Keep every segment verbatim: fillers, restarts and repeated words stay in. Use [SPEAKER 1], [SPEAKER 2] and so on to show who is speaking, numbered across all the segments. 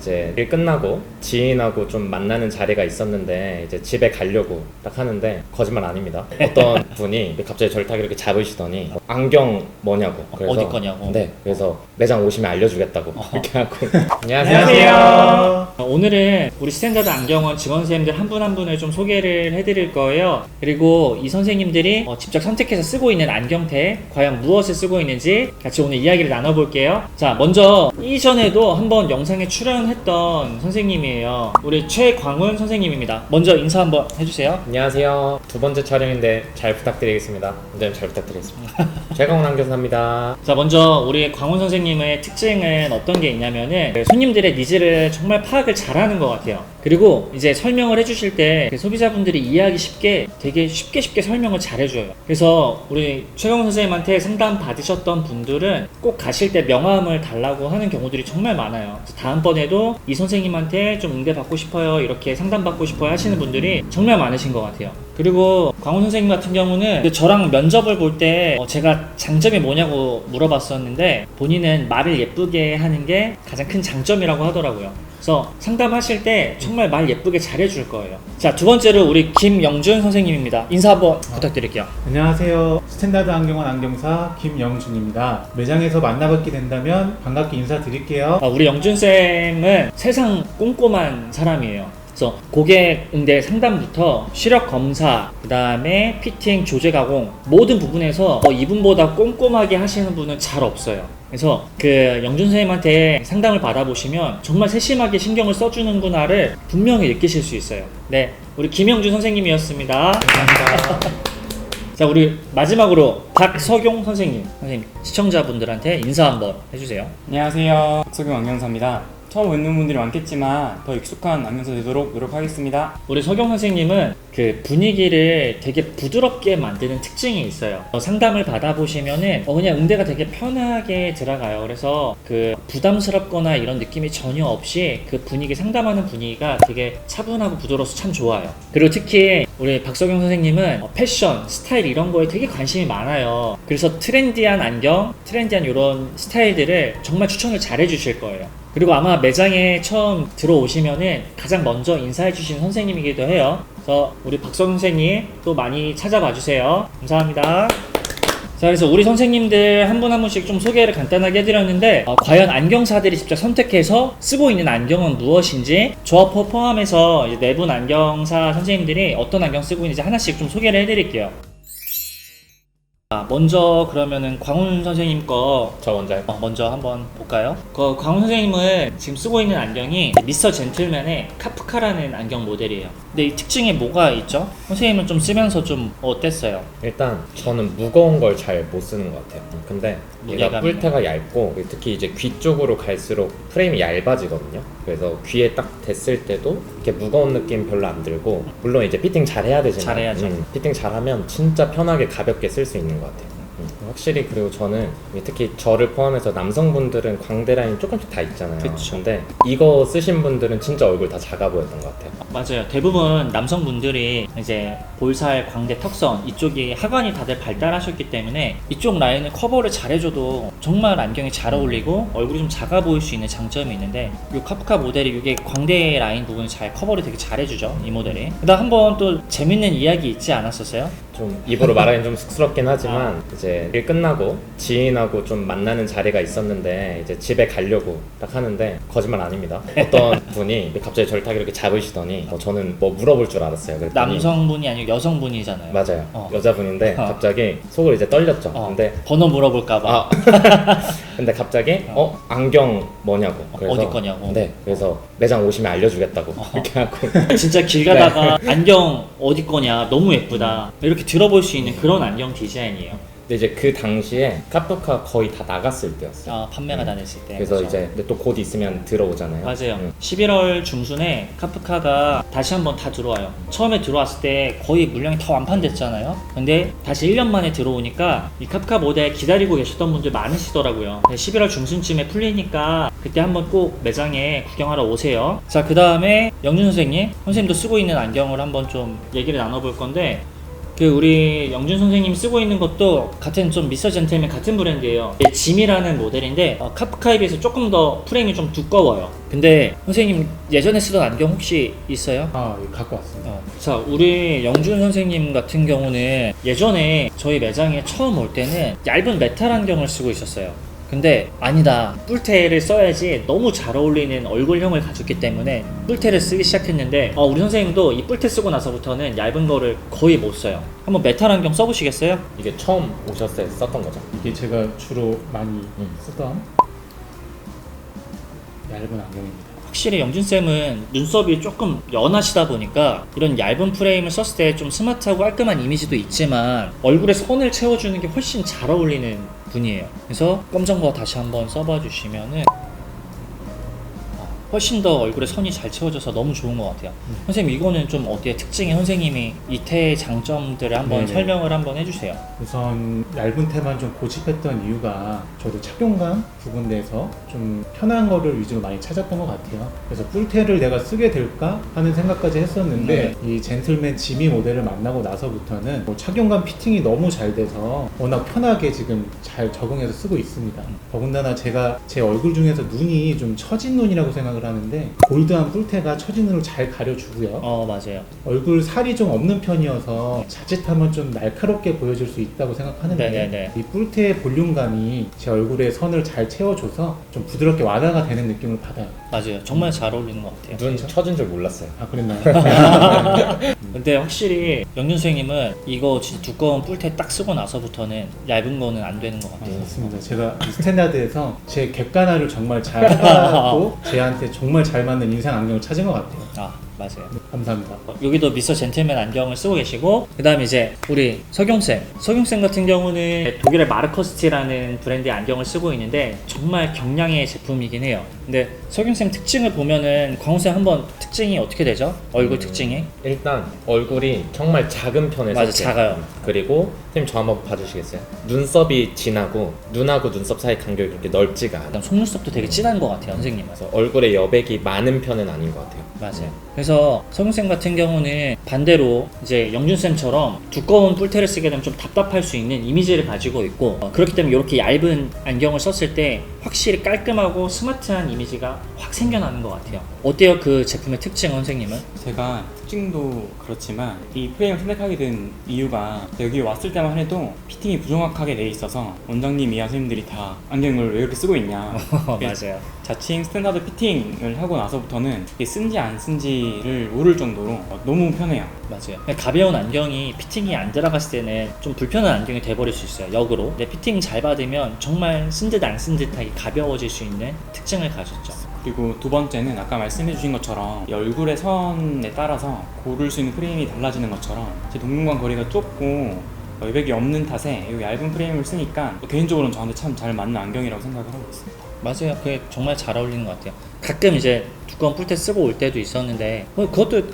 [SPEAKER 1] 이제 일 끝나고 지인하고 좀 만나는 자리가 있었는데 이제 집에 가려고 딱 하는데 거짓말 아닙니다. 어떤 분이 갑자기 저를 딱 이렇게 잡으시더니 안경 뭐냐고. 그래서
[SPEAKER 2] 어디 거냐고.
[SPEAKER 1] 네, 그래서 매장 오시면 알려주겠다고 이렇게 하고.
[SPEAKER 2] 안녕하세요. 오늘은 우리 스탠다드 안경원 직원 선생님들 한 분 한 분을 좀 소개를 해드릴 거예요. 그리고 이 선생님들이 어, 직접 선택해서 쓰고 있는 안경테 과연 무엇을 쓰고 있는지 같이 오늘 이야기를 나눠볼게요. 자, 먼저 이전에도 한번 영상에 출연했던 선생님이에요. 우리 최광훈 선생님입니다. 먼저 인사 한번 해주세요.
[SPEAKER 1] 안녕하세요. 두 번째 촬영인데 잘 부탁드리겠습니다. 원장님 잘 부탁드리겠습니다. 최광훈 안경사입니다.
[SPEAKER 2] 자, 먼저 우리 광훈 선생님의 특징은 어떤 게 있냐면은 손님들의 니즈를 정말 파악을 잘하는 것 같아요. 그리고 이제 설명을 해주실 때 소비자분들이 이해하기 쉽게 되게 쉽게 쉽게 설명을 잘 해줘요. 그래서 우리 최광훈 선생님한테 상담 받으셨던 분들은 꼭 가실 때 명함을 달라고 하는 경우들이 정말 많아요. 그래서 다음번에도 이 선생님한테 좀 응대 받고 싶어요, 이렇게 상담 받고 싶어요 하시는 분들이 정말 많으신 것 같아요. 그리고 광훈 선생님 같은 경우는 저랑 면접을 볼 때 제가 장점이 뭐냐고 물어봤었는데 본인은 말을 예쁘게 하는 게 가장 큰 장점이라고 하더라고요. 그래서 상담하실 때 정말 말 예쁘게 잘해줄 거예요. 자, 두 번째로 우리 김영준 선생님입니다. 인사 한번 부탁드릴게요.
[SPEAKER 3] 안녕하세요. 스탠다드 안경원 안경사 김영준입니다. 매장에서 만나뵙게 된다면 반갑게 인사드릴게요.
[SPEAKER 2] 아, 우리 영준쌤은 세상 꼼꼼한 사람이에요. 그래서 고객 응대 상담부터 시력 검사, 그 다음에 피팅, 조제 가공 모든 부분에서 어, 이분보다 꼼꼼하게 하시는 분은 잘 없어요. 그래서 그 영준 선생님한테 상담을 받아보시면 정말 세심하게 신경을 써주는구나를 분명히 느끼실 수 있어요. 네, 우리 김영준 선생님이었습니다.
[SPEAKER 1] 감사합니다.
[SPEAKER 2] 자, 우리 마지막으로 박석용 선생님, 선생님 시청자분들한테 인사 한번 해주세요.
[SPEAKER 4] 안녕하세요. 박석용 안경사입니다. 처음 뵙는 분들이 많겠지만 더 익숙한 안경사 되도록 노력하겠습니다.
[SPEAKER 2] 우리 석용 선생님은 그 분위기를 되게 부드럽게 만드는 특징이 있어요. 어, 상담을 받아보시면은 어, 그냥 응대가 되게 편하게 들어가요. 그래서 그 부담스럽거나 이런 느낌이 전혀 없이 그 분위기, 상담하는 분위기가 되게 차분하고 부드러워서 참 좋아요. 그리고 특히 우리 박석용 선생님은 어, 패션, 스타일 이런 거에 되게 관심이 많아요. 그래서 트렌디한 안경, 트렌디한 이런 스타일들을 정말 추천을 잘 해주실 거예요. 그리고 아마 매장에 처음 들어오시면은 가장 먼저 인사해 주신 선생님이기도 해요. 그래서 우리 박성 선생님 또 많이 찾아봐 주세요. 감사합니다. 자, 그래서 우리 선생님들 한 분 한 분씩 좀 소개를 간단하게 해드렸는데 어, 과연 안경사들이 직접 선택해서 쓰고 있는 안경은 무엇인지 저와 포함해서 네 분 안경사 선생님들이 어떤 안경 쓰고 있는지 하나씩 좀 소개를 해드릴게요. 먼저 그러면은 광훈 선생님 거
[SPEAKER 1] 저 먼저
[SPEAKER 2] 어, 먼저 한번 볼까요? 그 광훈 선생님은 지금 쓰고 있는 안경이 미스터 젠틀맨의 카프카라는 안경 모델이에요. 근데 이 특징이 뭐가 있죠? 선생님은 좀 쓰면서 좀 어땠어요?
[SPEAKER 1] 일단 저는 무거운 걸 잘 못 쓰는 것 같아요. 근데 얘가
[SPEAKER 2] 무게감이요?
[SPEAKER 1] 뿔테가 얇고 특히 이제 귀 쪽으로 갈수록 프레임이 얇아지거든요. 그래서 귀에 딱 댔을 때도 이렇게 무거운 느낌 별로 안 들고, 물론 이제 피팅 잘 해야 되지만
[SPEAKER 2] 잘해야죠.
[SPEAKER 1] 음, 피팅 잘하면 진짜 편하게 가볍게 쓸 수 있는 것 같아요. 음, 확실히. 그리고 저는 특히 저를 포함해서 남성분들은 광대 라인 조금씩 다 있잖아요.
[SPEAKER 2] 그쵸.
[SPEAKER 1] 근데 이거 쓰신 분들은 진짜 얼굴 다 작아 보였던 것 같아요.
[SPEAKER 2] 맞아요. 대부분 남성분들이 이제 볼살, 광대, 턱선 이쪽이 하관이 다들 발달하셨기 때문에 이쪽 라인을 커버를 잘 해줘도 정말 안경이 잘 어울리고 얼굴이 좀 작아 보일 수 있는 장점이 있는데 이 카프카 모델이 이게 광대 라인 부분을 잘 커버를 되게 잘 해주죠, 이 모델이. 그다음 한번 또 재밌는 이야기 있지 않았었어요?
[SPEAKER 1] 좀 입으로 말하기는 좀 쑥스럽긴 하지만 이제 일 끝나고 지인하고 좀 만나는 자리가 있었는데 이제 집에 가려고 딱 하는데 거짓말 아닙니다. 어떤 분이 갑자기 저를 딱 이렇게 잡으시더니 어, 저는 뭐 물어볼 줄 알았어요. 그랬더니
[SPEAKER 2] 남성분이 아니고 여성분이잖아요.
[SPEAKER 1] 맞아요.
[SPEAKER 2] 어.
[SPEAKER 1] 여자분인데
[SPEAKER 2] 어.
[SPEAKER 1] 갑자기 속을 이제 떨렸죠.
[SPEAKER 2] 어,
[SPEAKER 1] 근데
[SPEAKER 2] 번호 물어볼까봐.
[SPEAKER 1] 아 근데 갑자기 어 안경 뭐냐고. 그래서
[SPEAKER 2] 어디 거냐고.
[SPEAKER 1] 네. 그래서 매장 오시면 알려주겠다고
[SPEAKER 2] 어.
[SPEAKER 1] 이렇게 하고.
[SPEAKER 2] 진짜 길 가다가 안경 어디 거냐, 너무 예쁘다, 이렇게 들어볼 수 있는 그런 안경 디자인이에요.
[SPEAKER 1] 근데 이제 그 당시에 카프카 거의 다 나갔을 때였어요.
[SPEAKER 2] 아, 판매가 다 됐을 때.
[SPEAKER 1] 그래서
[SPEAKER 2] 그렇죠.
[SPEAKER 1] 이제 근데 또 곧 있으면 들어오잖아요.
[SPEAKER 2] 맞아요.
[SPEAKER 1] 음.
[SPEAKER 2] 십일월 중순에 카프카가 다시 한번 다 들어와요. 처음에 들어왔을 때 거의 물량이 다 완판됐잖아요. 근데 다시 일 년 만에 들어오니까 이 카프카 모델 기다리고 계셨던 분들 많으시더라고요. 십일월 중순쯤에 풀리니까 그때 한번 꼭 매장에 구경하러 오세요. 자, 그 다음에 영준 선생님, 선생님도 쓰고 있는 안경을 한번 좀 얘기를 나눠볼 건데, 그 그 우리 영준 선생님 쓰고 있는 것도 같은 좀 미스터 젠틀맨 같은 브랜드예요. 짐이라는 모델인데 어, 카프카에 비해서 조금 더 프레임이 좀 두꺼워요. 근데 선생님 예전에 쓰던 안경 혹시 있어요?
[SPEAKER 3] 아, 예, 갖고 왔습니다.
[SPEAKER 2] 어. 자, 우리 영준 선생님 같은 경우는 예전에 저희 매장에 처음 올 때는 얇은 메탈 안경을 쓰고 있었어요. 근데 아니다, 뿔테를 써야지 너무 잘 어울리는 얼굴형을 가졌기 때문에 뿔테를 쓰기 시작했는데 어, 우리 선생님도 이 뿔테 쓰고 나서부터는 얇은 거를 거의 못 써요. 한번 메탈 안경 써보시겠어요?
[SPEAKER 1] 이게 처음 오셨을 때 썼던 거죠?
[SPEAKER 3] 이게 제가 주로 많이
[SPEAKER 1] 음.
[SPEAKER 3] 쓰던 얇은 안경입니다.
[SPEAKER 2] 확실히 영준쌤은 눈썹이 조금 연하시다 보니까 이런 얇은 프레임을 썼을 때 좀 스마트하고 깔끔한 이미지도 있지만 얼굴에 선을 채워주는 게 훨씬 잘 어울리는 분이에요. 그래서 검정거 다시 한번 써봐 주시면은 훨씬 더 얼굴에 선이 잘 채워져서 너무 좋은 것 같아요.
[SPEAKER 3] 음.
[SPEAKER 2] 선생님 이거는 좀 어때요? 특징이 선생님이 이태의 장점들을 한번
[SPEAKER 3] 네네.
[SPEAKER 2] 설명을 한번 해주세요.
[SPEAKER 3] 우선 얇은 테만 좀 고집했던 이유가 저도 착용감 부분에서 좀 편한 거를 위주로 많이 찾았던 것 같아요. 그래서 뿔테를 내가 쓰게 될까 하는 생각까지 했었는데 이 젠틀맨 지미 모델을 만나고 나서부터는 뭐 착용감 피팅이 너무 잘 돼서 워낙 편하게 지금 잘 적응해서 쓰고 있습니다. 더군다나 제가 제 얼굴 중에서 눈이 좀 처진 눈이라고 생각을 하는데 골드한 뿔테가 처진 눈을 잘 가려주고요.
[SPEAKER 2] 어 맞아요.
[SPEAKER 3] 얼굴 살이 좀 없는 편이어서 자칫하면 좀 날카롭게 보여질 수 있다고 생각하는데
[SPEAKER 2] 네네네.
[SPEAKER 3] 이 뿔테의 볼륨감이 제 얼굴에 선을 잘 채워줘서 좀 부드럽게 완화가 되는 느낌을 받아요.
[SPEAKER 2] 맞아요. 정말 잘 어울리는 것 같아요.
[SPEAKER 1] 눈 처진 줄 몰랐어요.
[SPEAKER 3] 아, 그랬나요?
[SPEAKER 2] 근데 확실히 영준 선생님은 이거 진짜 두꺼운 뿔테 딱 쓰고 나서부터는 얇은 거는 안 되는 것
[SPEAKER 3] 아,
[SPEAKER 2] 같아요.
[SPEAKER 3] 맞습니다. 제가 이 스탠다드에서 제 객관화를 정말 잘 하고 제한테 정말 잘 맞는 인생 안경을 찾은 것 같아요.
[SPEAKER 2] 아 맞아요.
[SPEAKER 3] 네, 감사합니다.
[SPEAKER 2] 어, 여기도 미스터 젠틀맨 안경을 쓰고 계시고 그 다음에 이제 우리 석용쌤 석용쌤 같은 경우는 독일의 마르커스티라는 브랜드의 안경을 쓰고 있는데 정말 경량의 제품이긴 해요. 근데 석용쌤 특징을 보면은 광호쌤 한번 특징이 어떻게 되죠? 얼굴 특징이?
[SPEAKER 1] 일단 얼굴이 정말 작은 편에
[SPEAKER 2] 맞아,
[SPEAKER 1] 속해요.
[SPEAKER 2] 작아요.
[SPEAKER 1] 그리고 선생님 저 한번 봐주시겠어요? 눈썹이 진하고 눈하고 눈썹 사이 간격이 그렇게 넓지가 않아요.
[SPEAKER 2] 그다음 속눈썹도 되게 진한 것 같아요 선생님은.
[SPEAKER 1] 그래서 얼굴에 여백이 많은 편은 아닌 것 같아요.
[SPEAKER 2] 맞아요. 그래서 석용쌤 같은 경우는 반대로 이제 영준쌤처럼 두꺼운 뿔테를 쓰게 되면 좀 답답할 수 있는 이미지를 가지고 있고 어, 그렇기 때문에 이렇게 얇은 안경을 썼을 때 확실히 깔끔하고 스마트한 이미지가 확 생겨나는 것 같아요. 어때요 그 제품의 특징 선생님은?
[SPEAKER 4] 제가 특징도 그렇지만 이 프레임을 선택하게 된 이유가 여기 왔을 때만 해도 피팅이 부정확하게 돼 있어서 원장님 이하 선생님들이 다 안경을 왜 이렇게 쓰고 있냐
[SPEAKER 2] 맞아요.
[SPEAKER 4] 자칭 스탠다드 피팅을 하고 나서부터는 이게 쓴지 안 쓴지를 모를 정도로 너무 편해요.
[SPEAKER 2] 맞아요. 가벼운 안경이 피팅이 안 들어갔을 때는 좀 불편한 안경이 돼버릴 수 있어요. 역으로. 근데 피팅 잘 받으면 정말 쓴 듯 안 쓴 듯하게 가벼워질 수 있는 특징을 가졌죠.
[SPEAKER 4] 그리고 두 번째는 아까 말씀해 주신 것처럼 이 얼굴의 선에 따라서 고를 수 있는 프레임이 달라지는 것처럼 제 동공간 거리가 좁고 여백이 없는 탓에 이 얇은 프레임을 쓰니까 개인적으로는 저한테 참 잘 맞는 안경이라고 생각을 하고 있습니다.
[SPEAKER 2] 맞아요. 그게 정말 잘 어울리는 것 같아요. 가끔 이제 두꺼운 뿔테 쓰고 올 때도 있었는데 뭐 그것도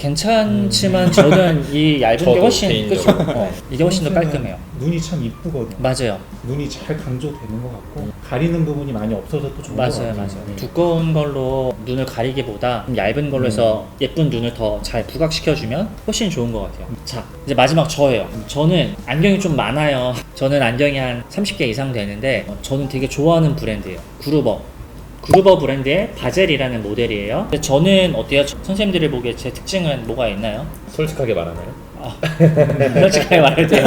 [SPEAKER 2] 괜찮지만 저는 이 얇은 게
[SPEAKER 1] 저도
[SPEAKER 2] 훨씬
[SPEAKER 1] 개인적으로.
[SPEAKER 2] 그쵸? 어, 이게 훨씬 더 깔끔해요.
[SPEAKER 3] 눈이 참 이쁘거든요.
[SPEAKER 2] 맞아요.
[SPEAKER 3] 눈이 잘 강조되는 것 같고 가리는 부분이 많이 없어서 또 좋은 것
[SPEAKER 2] 맞아요,
[SPEAKER 3] 같아요.
[SPEAKER 2] 맞아요.
[SPEAKER 3] 네.
[SPEAKER 2] 두꺼운 걸로 눈을 가리기보다 좀 얇은 걸로 해서 예쁜 눈을 더 잘 부각시켜주면 훨씬 좋은 것 같아요. 자, 이제 마지막 저예요. 저는 안경이 좀 많아요. 저는 안경이 한 삼십 개 이상 되는데 어, 저는 되게 좋아하는 브랜드예요. 그루버. 그루버 브랜드의 바젤이라는 모델이에요. 근데 저는 어때요? 선생님들이 보기에 제 특징은 뭐가 있나요?
[SPEAKER 1] 솔직하게 말하나요?
[SPEAKER 2] 아, 솔직하게 말해도 돼요.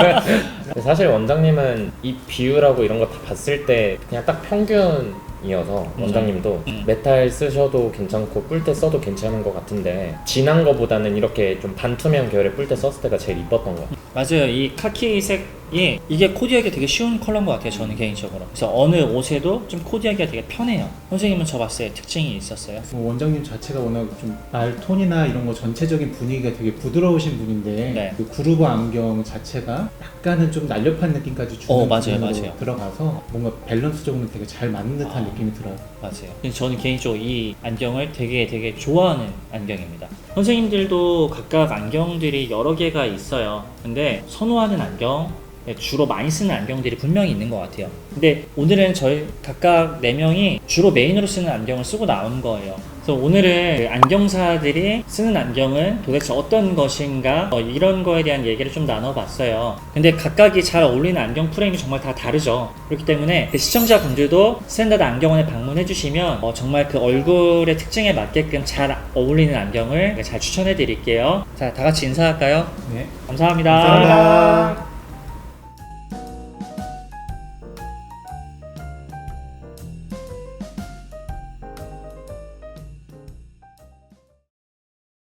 [SPEAKER 1] 사실 원장님은 이 비율하고 이런 거 다 봤을 때 그냥 딱 평균이어서 원장님도
[SPEAKER 2] 음.
[SPEAKER 1] 메탈 쓰셔도 괜찮고 뿔테 써도 괜찮은 것 같은데 진한 거보다는 이렇게 좀 반투명 계열의 뿔테 썼을 때가 제일 이뻤던 것 같아요.
[SPEAKER 2] 맞아요. 이 카키색이 이게 코디하기 되게 쉬운 컬러인 것 같아요. 저는 개인적으로. 그래서 어느 옷에도 좀 코디하기가 되게 편해요. 선생님은 저 봤을 때 특징이 있었어요?
[SPEAKER 3] 뭐 원장님 자체가 워낙 좀 말톤이나 이런 거 전체적인 분위기가 되게 부드러우신 분인데
[SPEAKER 2] 네.
[SPEAKER 3] 그 구루버 안경 자체가 약간은 좀 날렵한 느낌까지 주는
[SPEAKER 2] 어, 맞아요,
[SPEAKER 3] 부분으로
[SPEAKER 2] 맞아요.
[SPEAKER 3] 들어가서 뭔가 밸런스적으로 되게 잘 맞는 듯한
[SPEAKER 2] 아.
[SPEAKER 3] 느낌이 들어요.
[SPEAKER 2] 맞아요. 근데 저는 개인적으로 이 안경을 되게 되게 좋아하는 안경입니다. 선생님들도 각각 안경들이 여러 개가 있어요. 근데 선호하는 안경, 주로 많이 쓰는 안경들이 분명히 있는 것 같아요. 근데 오늘은 저희 각각 네 명이 주로 메인으로 쓰는 안경을 쓰고 나온 거예요. 그래서 오늘은 그 안경사들이 쓰는 안경은 도대체 어떤 것인가 어, 이런 거에 대한 얘기를 좀 나눠봤어요. 근데 각각이 잘 어울리는 안경 프레임이 정말 다 다르죠. 그렇기 때문에 그 시청자분들도 스탠다드 안경원에 방문해 주시면 어, 정말 그 얼굴의 특징에 맞게끔 잘 어울리는 안경을 잘 추천해 드릴게요. 자, 다 같이 인사할까요?
[SPEAKER 3] 네.
[SPEAKER 2] 감사합니다.
[SPEAKER 3] 감사합니다.